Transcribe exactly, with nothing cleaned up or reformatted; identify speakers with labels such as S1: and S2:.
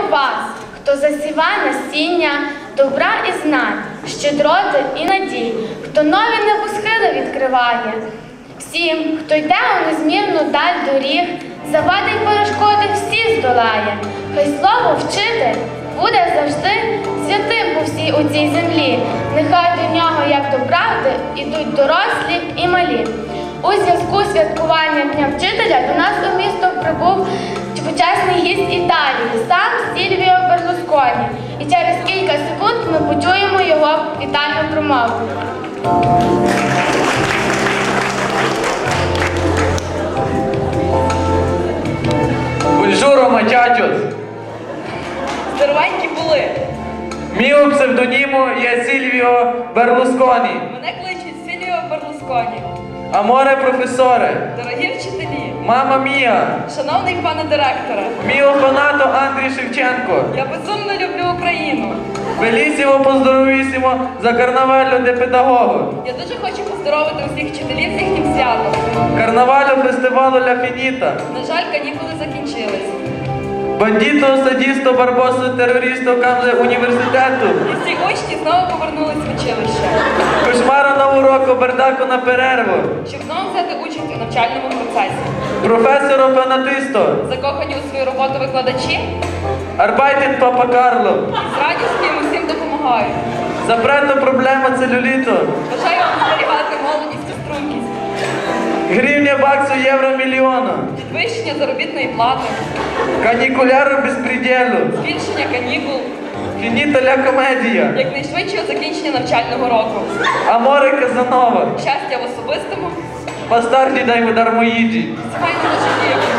S1: вас, хто засіває насіння, добра і знань, щедроти і надій, хто нові небосхили відкриває. Всім, хто йде у незмірну даль доріг, завади й перешкоди всі здолає. Хай слово вчитель буде завжди святим по всій у цій землі. Нехай до нього, як до правди, ідуть дорослі і малі. У зв'язку з святкуванням Дня вчителя до нас у місто прибув почесний гість Італії, сам Сільвіо Берлусконі. І через кілька секунд ми почуємо його вітальну промову.
S2: Бонжуро, мачачос!
S3: Здоровенькі були.
S2: Міо псевдоніму є Сільвіо Берлусконі.
S3: Мене кличуть Сільвіо Берлусконі.
S2: Аморе професоре!
S3: Дорогі вчителі!
S2: Мама мія!
S3: Шановний пане директоре!
S2: Міо фанато Андрій Шевченко!
S3: Я безумно люблю Україну!
S2: Белісімо поздоровісімо за карнавалю де педагогу!
S3: Я дуже хочу поздоровити усіх вчителів з їхнім святом.
S2: Карнавалю фестивалю Ля Фініта!
S3: На жаль, канікули закінчились.
S2: Бандіто, садісто, барбосо, терористо, камзе університету!
S3: І всі учні знову повернулись в училище.
S2: Кошмара на уроку, бардаку на перерву!
S3: Щоб знову взяти участь у навчальному процесі.
S2: Професоро фанатисто!
S3: Закохані у свою роботу викладачі
S2: Арбайтен Папа Карло!
S3: і з радістю їм усім допомагають.
S2: Запретна проблема целюліту!
S3: Бажаю вам зберігати молодість і стрункість.
S2: Гривня баксу євро мільйона!
S3: Підвищення заробітної плати.
S2: Канікуляру безпреділу!
S3: Збільшення канікул.
S2: Фініта ля комедія!
S3: Якнайшвидшого закінчення навчального року.
S2: Аморе Казанова!
S3: Щастя в особистому.
S2: Бастарді дай удар моїді!
S3: Сімейному житті.